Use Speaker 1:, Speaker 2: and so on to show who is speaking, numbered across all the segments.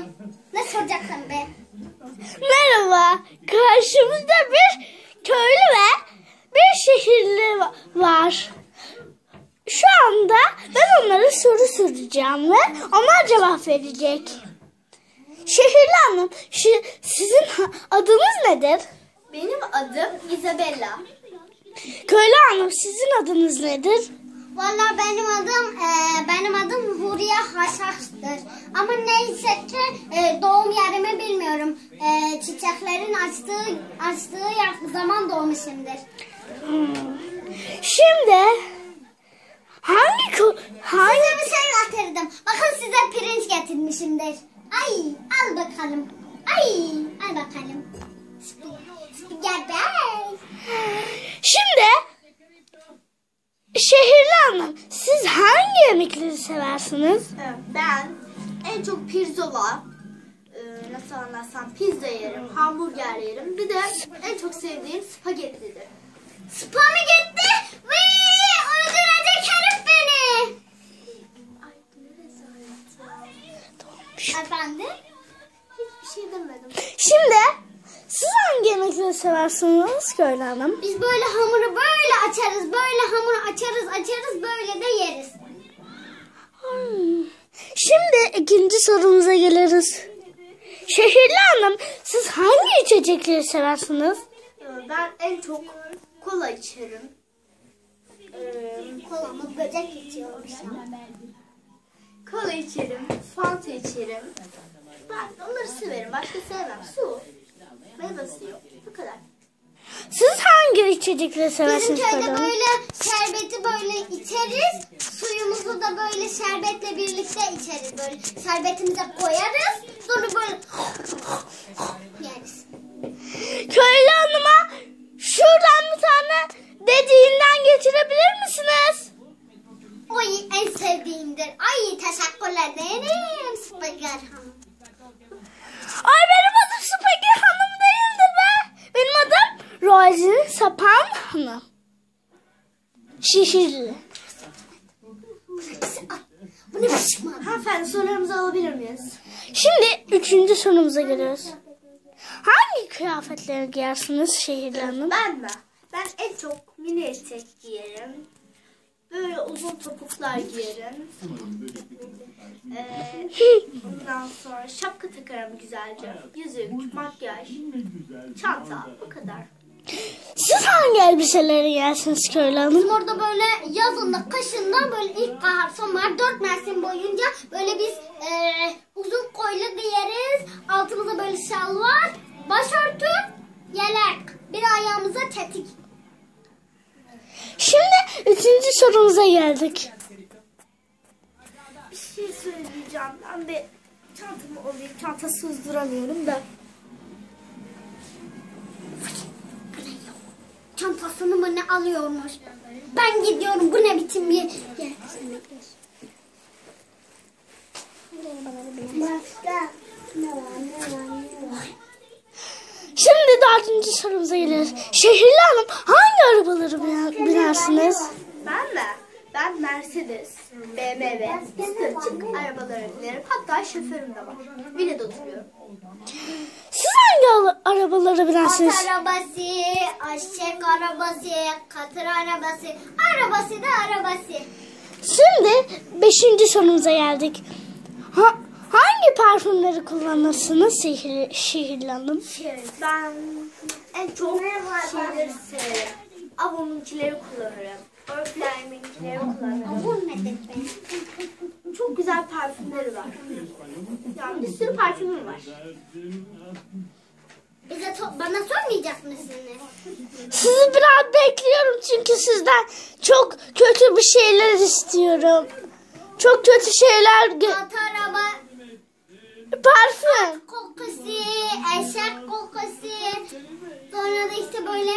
Speaker 1: Ne soracaksın be?
Speaker 2: Merhaba. Karşımızda bir köylü ve bir şehirli var. Şu anda ben onlara soru soracağım ve onlar cevap verecek. Şehirli hanım, sizin adınız nedir?
Speaker 1: Benim adım Isabella.
Speaker 2: Köylü hanım, sizin adınız nedir?
Speaker 1: Vallahi benim adım Huriye Haşhaş'tır. Ama neyse ki doğum yerimi bilmiyorum. Çiçeklerin açtığı zaman doğmuşumdur.
Speaker 2: Şimdi
Speaker 1: Size bir şey getirdim. Bakın size pirinç getirmişimdir. Ay, al bakalım. Ay, al bakalım. Spiger.
Speaker 2: Şimdi şehirli hanım, siz hangi yemekleri seversiniz?
Speaker 3: Ben en çok pirzola, nasıl anlatsam, pizza yerim, hamburger yerim. Bir de en çok sevdiğim spagettidir.
Speaker 1: Spagetti. Vii, öldürecek herif beni.
Speaker 3: Ay ne rezalet.
Speaker 1: Efendim?
Speaker 3: Hiçbir şey demedim.
Speaker 2: Şimdi siz hangi yemekleri seversiniz köylü hanım?
Speaker 1: Biz böyle hamuru böyle açarız. Böyle hamuru açarız. Böyle de yeriz.
Speaker 2: Şimdi ikinci sorumuza geliriz. Şehirli hanım, siz hangi içecekleri seversiniz?
Speaker 3: Ben en çok kola içerim.
Speaker 1: Kolamı böcek içiyormuş.
Speaker 3: Kola içerim, fanta içerim. Ben onları severim. Başka sevmem. Su. Meyve suyu. Bu kadar.
Speaker 2: Siz hangi içecekleri
Speaker 1: Bizim
Speaker 2: seversiniz köylü
Speaker 1: köyde
Speaker 2: hanım?
Speaker 1: böyle şerbeti böyle içeriz. Suyumuzu da böyle şerbetle birlikte içeriz. Böyle şerbetimize koyarız. Sonra böyle yeriz.
Speaker 2: Köylü hanıma şuradan bir tane dediğinden getirebilir misiniz?
Speaker 1: Oy, en sevdiğimdir. Ay, teşekkür ederim Spiger Hanım.
Speaker 2: Ay, benim adım Spagi hanım değildir be. Benim adım Rosie Sapan hanım. Şehirli.
Speaker 1: Bu ne biçim adam?
Speaker 3: Hanımefendi sorularımızı alabilir miyiz?
Speaker 2: Şimdi üçüncü sorumuza geliyoruz. Hangi kıyafetleri giyersiniz şehirli hanım?
Speaker 3: Ben mi? Ben en çok mini etek giyerim. Böyle uzun topuklar giyerim. Ondan sonra şapka takarım güzelce. Yüzük, makyaj, çanta, bu kadar.
Speaker 2: Siz hangi elbiseleri giyersiniz köylü hanım?
Speaker 1: Bizim orada böyle yazında, kışında böyle ilkbahar, sonbahar 4 mevsim boyunca böyle biz uzun koylu giyeriz. Altımıza böyle şalvar, başörtü, yelek. Bir ayağımıza tetik.
Speaker 2: Şimdi üçüncü sorumuza geldik.
Speaker 3: Bir şey söyleyeceğim. Ben bir çantamı alayım. Çantasız duramıyorum da.
Speaker 1: Çantasını mı ne alıyormuş? Ben gidiyorum. Bu ne biçim bir yer? Başka ne var?
Speaker 2: Şimdi dördüncü sorumuza geliyoruz. Şehirli hanım, hangi arabaları binersiniz?
Speaker 3: Ben mi? Ben Mercedes, BMW, üstü açık arabalara binerim. Hatta şoförüm de var. Villada oturuyorum.
Speaker 2: Siz hangi arabaları
Speaker 1: At
Speaker 2: binersiniz?
Speaker 1: arabası, eşek arabası, katır arabası, arabası da arabası.
Speaker 2: Şimdi beşinci sorumuza geldik. Hangi parfümleri kullanırsınız şehirli hanım?
Speaker 3: Ben en çok şeyleri severim. Avon'unkileri kullanırım. Oriflame'inkileri kullanırım.
Speaker 1: Bu nedir be?
Speaker 3: Çok güzel parfümleri var. Yani bir sürü parfümüm var.
Speaker 1: Bana sormayacak mısınız?
Speaker 2: Sizi biraz bekliyorum çünkü sizden çok kötü bir şeyler istiyorum. Çok kötü şeyler...
Speaker 1: At araba
Speaker 2: Parfüm.
Speaker 1: kokusu, eşek kokusu, sonra da işte böyle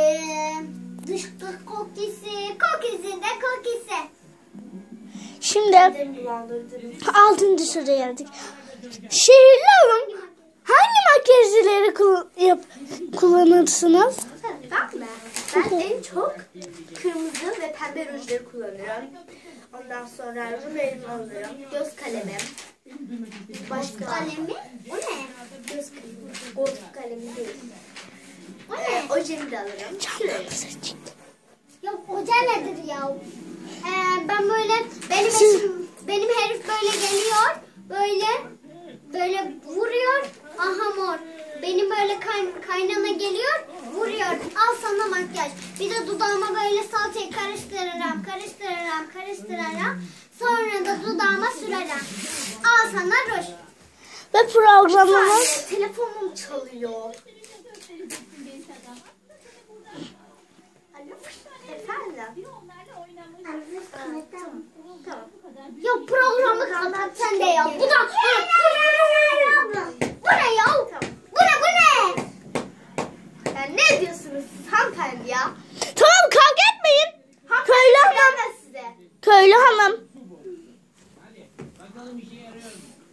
Speaker 1: dışkı kokusu da kokusu.
Speaker 2: Şimdi
Speaker 3: Beni bulandırdınız.
Speaker 2: altıncı soruya geldik. Şehirli hanım, hangi makyajları kullanırsınız?
Speaker 3: Ben mi? Ben en çok kırmızı ve pembe rujları kullanıyorum. Ondan sonra ruj alırım, göz kalemim, Başka.
Speaker 1: Kalemi. O ne?
Speaker 3: Göz kalemi. Golf kalemi değil.
Speaker 1: O ne?
Speaker 3: Ojemi de alırım. Şuraya.
Speaker 1: Ya hoca nedir ya? Ben böyle benim herif böyle geliyor. Böyle vuruyor. Aha mor. Benim böyle kaynana geliyor. Vuruyor. Al sana makyaj. Bir de dudağıma böyle salçayı karıştırırım. Sonra da dudağıma sürerim. Al sana ruj.
Speaker 2: Ve programımız
Speaker 3: Telefonum çalıyor. Alo. Efendim. Tamam.
Speaker 1: Ya programı kapat sen de ya. Bu ne ya? Bu ne?
Speaker 3: Ya ne diyorsunuz siz hanımefendi ya?
Speaker 2: tamam kavga etmeyin. Köylü hanım.
Speaker 3: Ben size.
Speaker 2: Köylü hanım.